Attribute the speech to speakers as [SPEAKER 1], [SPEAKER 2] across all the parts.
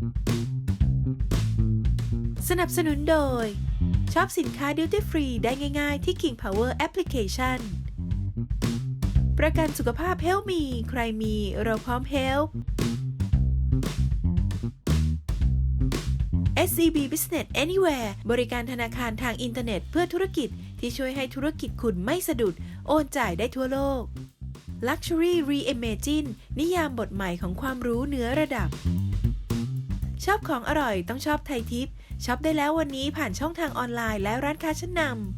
[SPEAKER 1] สนับสนุนโดยช็อปสินค้า Duty Free ได้ง่ายๆที่ King Power Application ประกันสุขภาพเฮลมีใครมีเราพร้อมเฮล SCB Business Anywhere บริการธนาคารทางอินเทอร์เน็ตเพื่อธุรกิจที่ช่วยให้ธุรกิจคุณไม่สะดุดโอนจ่ายได้ทั่วโลก Luxury Reimagine นิยามบทใหม่ของความรู้เหนือระดับชอบของอร่อยต้องชอบไทยทิปช็อปได้แล้ววันนี้ผ่านช่องทางออนไลน์และร้านค้าชั้นนำ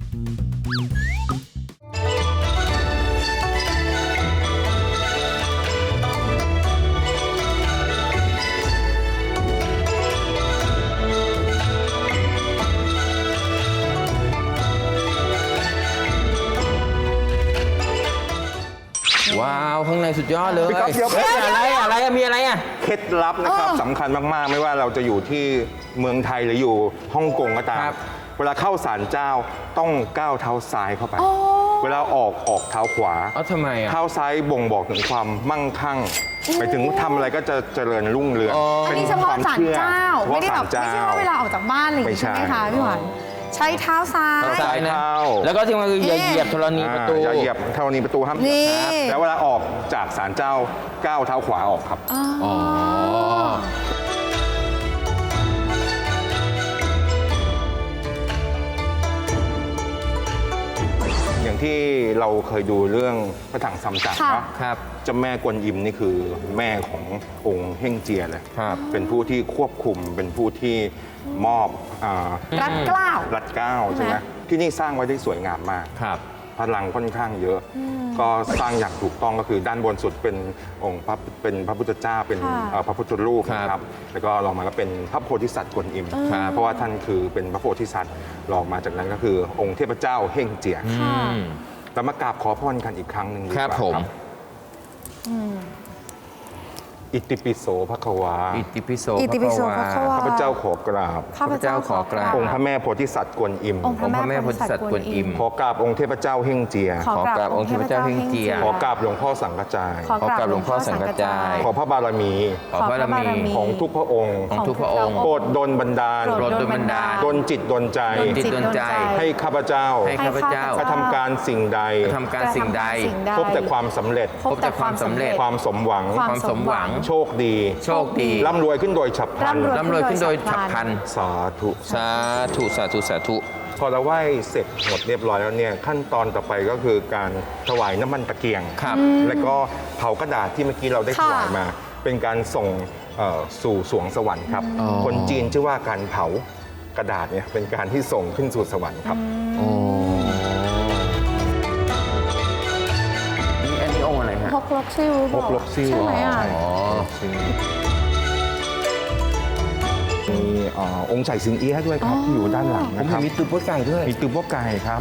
[SPEAKER 2] ว้าวข้างในสุดยอดเลย
[SPEAKER 3] พี่ก๊อฟเดี๋ยว
[SPEAKER 2] อะไรมีอะไรอ่ะ
[SPEAKER 3] เคล็ดลับนะครับสำคัญมากๆไม่ว่าเราจะอยู่ที่เมืองไทยหรืออยู่ฮ่องกงก็ตาม
[SPEAKER 2] ครับ
[SPEAKER 3] เวลาเข้าศาลเจ้าต้องก้าวเท้าซ้ายเข้าไป เวลาออกเท้าขวา
[SPEAKER 2] ทำไมอ่ะ
[SPEAKER 3] เท้าซ้ายบ่งบอกถึงความมั่งคั่งไปถึงทำอะไรก็จะเจริญรุ่งเรือง
[SPEAKER 4] อันนี้เฉพาะศาลเจ้าไม่ได้แบบไม่ใช่ว่าเวลาออกจากบ้านอะไรอย่างงี้ใช่ไหมคะพี่หวานใช้เท้าซ้าย
[SPEAKER 2] เท้าซ้ายนะ
[SPEAKER 3] เท้า
[SPEAKER 2] แล้วก็ที่มันคืออย่าเหยียบธรณีประตู
[SPEAKER 3] อย่าเหยียบธรณีประตูห้ามเหยียบครับแล้วเวลาออกจากศาลเจ้าก้าวเท้าขวาออกครับ
[SPEAKER 2] อ๋อ
[SPEAKER 3] อย่างที่เราเคยดูเรื่องพระถังซัมจั๋งเนาะ
[SPEAKER 2] ครับ
[SPEAKER 3] เจ้าแม่กวนอิมนี่คือแม่ขององค์เฮ่งเจียเลย
[SPEAKER 2] ครับ
[SPEAKER 3] เป็นผู้ที่ควบคุมเป็นผู้ที่มอบ
[SPEAKER 4] รัดเกล้า
[SPEAKER 3] รัดเกล้าใช่ไหมที่นี่สร้างไว้ได้สวยงามมาก
[SPEAKER 2] ครับ
[SPEAKER 3] พลังค่อนข้างเยอะ ก็สร้างอย่างถูกต้องก็คือด้านบนสุดเป็นองค์เป็นพระพุทธเจ้าเป็น
[SPEAKER 4] ค่ะ
[SPEAKER 3] พระพุทธรูป
[SPEAKER 2] ครับ
[SPEAKER 3] นะครับแล้วก็ลองมาก็เป็นพระโพธิสัตว์กวนอิม
[SPEAKER 2] ครับ
[SPEAKER 3] เพราะว่าท่านคือเป็นพระโพธิสัตว์ลองมาจากนั้นก็คือองค์เทพเจ้าเฮ่งเจีย
[SPEAKER 4] ค่ะ
[SPEAKER 3] เรามากราบขอพรกันอีกครั้งหนึ่งดีก
[SPEAKER 2] ค
[SPEAKER 3] ว่า
[SPEAKER 2] รับผม
[SPEAKER 3] อิติปิโสภควา
[SPEAKER 2] อิติปิโส
[SPEAKER 4] อิติปิโสภควา
[SPEAKER 3] ข้าพเจ้าขอกราบ
[SPEAKER 4] ข้าพเจ้าขอกราบ
[SPEAKER 3] องค์พระแม่โพธิสัตว์กวนอิม
[SPEAKER 4] องค์พระแม่โพธิสัตว์กวนอิม
[SPEAKER 3] ขอกราบองค์เทพเจ้าเฮ่งเจีย
[SPEAKER 4] ขอกราบองค์เทพเจ้าเฮงเจีย
[SPEAKER 3] ขอกราบหลวงพ่อสังฆจาย
[SPEAKER 4] ขอกราบหลวงพ่อสังฆจาย
[SPEAKER 3] ขอพระบารมี
[SPEAKER 2] ขอพระบารมี
[SPEAKER 3] ของทุกพระองค์
[SPEAKER 2] ของทุกพระองค์
[SPEAKER 3] โปรดดลบันดาล
[SPEAKER 2] โปรดดลบันดาล
[SPEAKER 3] ดลจิตดลใจ
[SPEAKER 2] ดลจิตดลใจ
[SPEAKER 3] ให้ข้าพเจ้า
[SPEAKER 2] ให้ข้าพเจ้า
[SPEAKER 3] กระทำการสิ่งใด
[SPEAKER 2] ทำการสิ่งใด
[SPEAKER 3] พบแต่ความสำเร็จ
[SPEAKER 4] พบแต่ความสำเร็จ
[SPEAKER 3] ความสมหวัง
[SPEAKER 2] ความสมหวัง
[SPEAKER 3] โชคดี
[SPEAKER 2] โชคดี
[SPEAKER 3] ร่ำรวยขึ้นโดยฉับพลัน
[SPEAKER 2] ร่ำรวยขึ้นโดยฉับพลัน
[SPEAKER 3] สาธุ
[SPEAKER 2] สาธุสาธุสาธุ
[SPEAKER 3] พอเราไหว้เสร็จหมดเรียบร้อยแล้วเนี่ยขั้นตอนต่อไปก็คือการถวายน้ำมันตะเกียง
[SPEAKER 2] ครับ
[SPEAKER 3] แล้วก็เผากระดาษที่เมื่อกี้เราได้ถวายมา เป็นการส่งสู่สวงสวรรค์ครับ
[SPEAKER 2] อ๋อ
[SPEAKER 3] คนจีนชื่อว่าการเผากระดาษเนี่ยเป็นการที่ส่งขึ้นสู่สวรรค์ครับ
[SPEAKER 2] โอ้นี่อันนี้องค์อะไรฮะ
[SPEAKER 4] พกลกซิว
[SPEAKER 3] พกลกซิ่ว
[SPEAKER 4] ใช่ไหมอ่ะ
[SPEAKER 2] อ๋อ
[SPEAKER 3] มีองค์ไฉสิงเอี้ยะด้วยครับที่อยู่ด้านหลัง
[SPEAKER 2] ผม
[SPEAKER 3] นะค
[SPEAKER 2] เห็
[SPEAKER 3] รั
[SPEAKER 2] น
[SPEAKER 3] บ
[SPEAKER 2] มีตุ๊บไก่ด้วย
[SPEAKER 3] มีตุ๊บไก่ครับ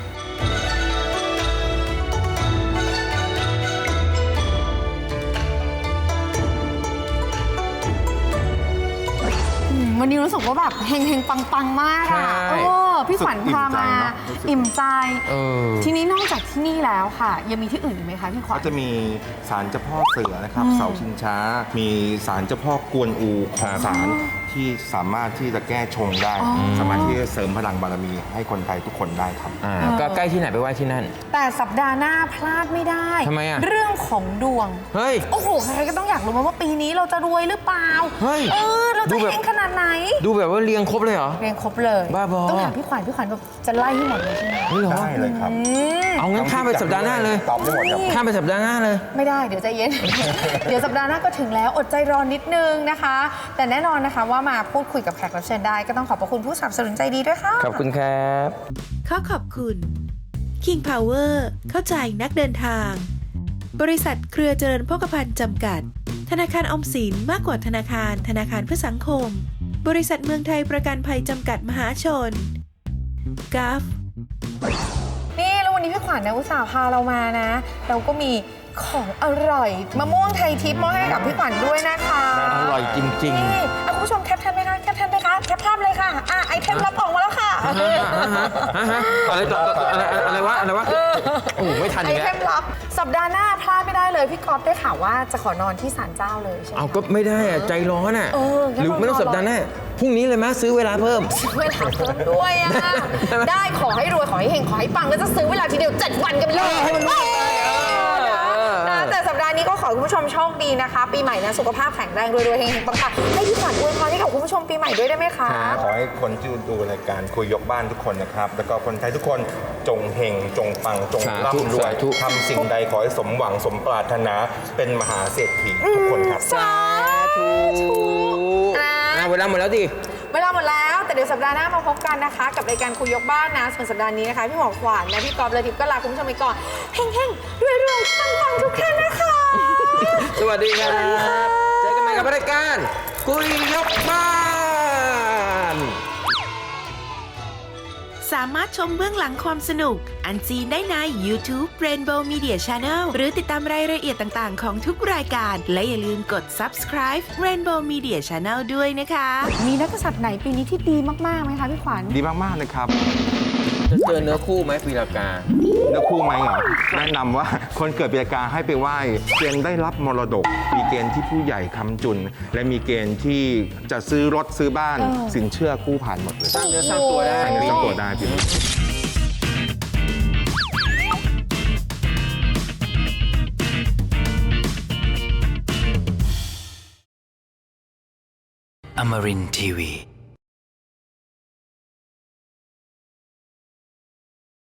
[SPEAKER 4] วันนี้รู้สึกว่าแบบเฮงๆปังๆมากอ่ะ
[SPEAKER 2] ใช่
[SPEAKER 4] พี่ขวัญพามาอิ่มใจ
[SPEAKER 2] เออ
[SPEAKER 4] ทีนี้นอกจากที่นี่แล้วค่ะ ยังมีที่อื่นอีกไหมคะพี่ขวัญ
[SPEAKER 3] ก็จะมีศาลเจ้าพ่อเสือนะครับ เสาชิงช้า มีศาลเจ้าพ่อกวนอูของศาลที่สามารถที่จะแก้ชงได้ สามารถที่จะเสริมพลังบารมีให้คนไทยทุกคนได้ครับ
[SPEAKER 2] ก็ใกล้ที่ไหนไปไหว้ที่นั่น
[SPEAKER 4] แต่สัปดาห์หน้าพลาดไม่ได้
[SPEAKER 2] ทำไมอ่ะ
[SPEAKER 4] เรื่องของดวง
[SPEAKER 2] เฮ้ย
[SPEAKER 4] โอ้โห ใครๆก็ต้องอยากรู้ว่าปีนี้เราจะรวยหรือเปล่า
[SPEAKER 2] เฮ้ย
[SPEAKER 4] เรา
[SPEAKER 2] ดู
[SPEAKER 4] จะ
[SPEAKER 2] แบบ
[SPEAKER 4] เฮงขนาดไหน
[SPEAKER 2] ดูแบบว่าเรียงครบเลยเหรอ
[SPEAKER 4] เรียงครบเลย
[SPEAKER 2] บ้าบอ
[SPEAKER 4] ต้องถามพี่ขวัญแบบจะไล่ให้หมดเลยใช่ไหม
[SPEAKER 2] นี่เหรอ
[SPEAKER 3] ได้เลยครับ
[SPEAKER 2] เอางั้นข้ามไปสัปดาห์หน้าเลย
[SPEAKER 3] ตอบได้หมดครับ
[SPEAKER 2] ข้ามไปสัปดาห์หน้าเลย
[SPEAKER 4] ไม่ได้เดี๋ยวใจเย็น เดี๋ยวสัปดาห์หน้าก็ถึงแล้วอดใจรอนิดนึงนะคะ แต่แน่นอนนะคะว่ามาพูดคุยกับแขกรับเชิญได้ก็ต้องขอบพระคุณผู้สนับสนุนใจดีด้วยค่ะ
[SPEAKER 2] ขอบคุณครับ
[SPEAKER 1] ขอขอบคุณ King Power เข้าใจนักเดินทาง บริษัทเครือเจริญโภคภัณฑ์จำกัด ธนาคารออมสินมากกว่าธนาคารธนาคารเพื่อสังคม บริษัทเมืองไทยประกันภัยจำกัดมหาชนกัฟ
[SPEAKER 4] นี่แล้ววันนี้พี่ขวัญนะอุตส่าห์พาเรามานะ เราก็มีของอร่อยมะม่วงไทยทิพย์มอบให้กับพี่ขวัญด้วยนะคะ
[SPEAKER 2] อร่อยจริง
[SPEAKER 4] นี่คุณผู้ชมแคปทันไหมคะแคปทันไหมคะปภาพเลยค่ะไอเทมรับของมาแล้วค่ะ
[SPEAKER 2] อะไรต่ออะไรวะโอ้โหไม่ทัน
[SPEAKER 4] ไอ
[SPEAKER 2] อีก
[SPEAKER 4] เท
[SPEAKER 2] แล้ว
[SPEAKER 4] มลับสัปดาห์หน้าพลาดไม่ได้เลยพี่ก๊อฟได้ข่าวว่าจะขอนอนที่ศาลเจ้าเลยใช่ไหม
[SPEAKER 2] เอาก็ไม่ได้อะใจร้อนอ่ะ
[SPEAKER 4] งั้น
[SPEAKER 2] หรือไม่ต้อง
[SPEAKER 4] เรา
[SPEAKER 2] สัปดาห์หน้าพรุ่งนี้เลยไหมซื้อเวลาเพิ่ม
[SPEAKER 4] เวลาเพิ่มด้วยอ่ะ ได้ขอให้รวยขอให้เฮงขอให้ปังแล้วจะซื้อเวลาทีเดียว7 วันกันไปเลย
[SPEAKER 2] ให้มันรวยไป
[SPEAKER 4] นะแต่สัปดาห์นี้ก็ขอให้คุณผู้ชมโชคดีนะคะ ปีใหม่นะสุขภาพแข็งแรงรวยๆเฮงๆปังๆให้พี่ขวัญอวยพรให้กับคุณผู้ชมปีใหม่ด้วยได้ไหมคะ
[SPEAKER 3] ขอให้คนที่ดูรายการคุยยกบ้านทุกคนนะครับ แล้วก็คนไทยทุกคนจงเฮงจงปังจงร่ำรวย
[SPEAKER 2] สาธุ
[SPEAKER 3] ทำสิ่งใดขอให้สมหวังสมปรารถนาเป็นมหาเศรษฐีทุกคนครับ
[SPEAKER 4] สาธุ
[SPEAKER 2] เวลาหมดแล้วดิ
[SPEAKER 4] เวลาหมดแล้วแต่เดี๋ยวสัปดาห์หน้ามาพบกันนะคะ กับรายการคุยยกบ้านนะส่วนสัปดาห์นี้นะคะพี่หมอขวัญนะพี่กอล์ฟและทิพย์ก็ลาคุณผู้ชมไปก่อนเฮงๆรวยๆปังๆทุกท่านนะคะ
[SPEAKER 2] สวัสดีครับ เจอกันใหม่กับรายการคุยยกบ้าน
[SPEAKER 1] สามารถชมเบื้องหลังความสนุก อันซีนได้ใน YouTube Rainbow Media Channel หรือติดตามรายละเอียดต่างๆของทุกรายการ และอย่าลืมกด subscribe Rainbow Media Channel ด้วยนะคะ
[SPEAKER 4] มีนักกษัตริย์ไหนปีนี้ที่ดีมากๆไหมคะพี่ขวัญ
[SPEAKER 3] ดีมากๆเลยครับ
[SPEAKER 2] จะเจอเนื้อคู่ไหมปีละกา
[SPEAKER 3] เนื้อคู่ไหมเหรอ แนะนำว่าคนเกิดปีกาให้ไปไหว้เกณฑ์ได้รับมรดก มีเกณฑ์ที่ผู้ใหญ่ค้ำจุน และมีเกณฑ์ที่จะซื้อรถซื้อบ้าน สินเชื่อกู้ผ่านหมดเลย
[SPEAKER 2] สร้างเนื้อสร้างตัวได้
[SPEAKER 3] สร้างเนื้อสร้างตัวได้พี่
[SPEAKER 5] Amarin Tiwi.